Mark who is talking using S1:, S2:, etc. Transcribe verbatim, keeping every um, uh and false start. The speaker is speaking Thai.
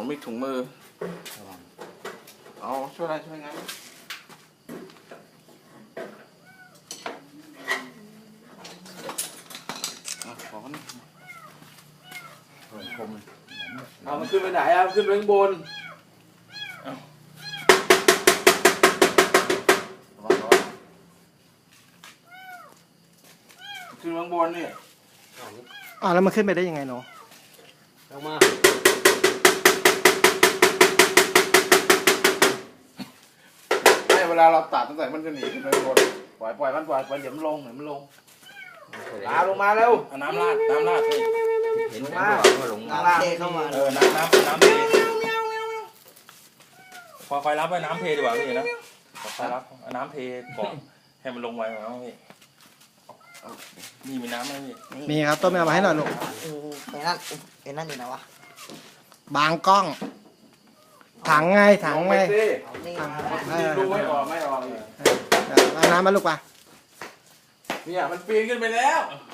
S1: มีถุงมือเอาช่วยอะไรช่วยงั้นขอนี่เอามันขึ้นไปไหนอ่ะขึ้นไปข้างบนขึ้นข้างบนนี่
S2: อ่าแล้วมันขึ้นไปได้ยังไงเนาะ
S3: ลงมา
S1: ไม่เวลาเราตัดตั้งแต่มันจะหนีขึ้นไปข้างบนปล่อยปล่อยมันปล่อยปล่อยเดี๋ยวมันลงเดี๋ยวมันลงตาลงมาเร็วน้ำราดน้ำราดเห็นไหมว่าลงน้ำราด
S3: เข้ามา
S1: เออน้ำน้ำน้ำเทคอยคอยรับไว้น้ำเทดีกว่าพี่นะคอยรับน้ำเทก่อนให้มันลงไว้ก่อนพี่นี่มีน้ำไหมพี่
S2: มีครับต้นไม่เอามาให้หน่อยลูก
S3: ไอ้นั่นไอ้นั่นอยู่ไหนวะ
S2: บางกล้องถังไงถังไง
S1: ดูไม่ออกไม่ออก
S2: เอาน้ำมาลูกป่ะ
S1: เนี่ยมันปีนขึ้นไปแล้ว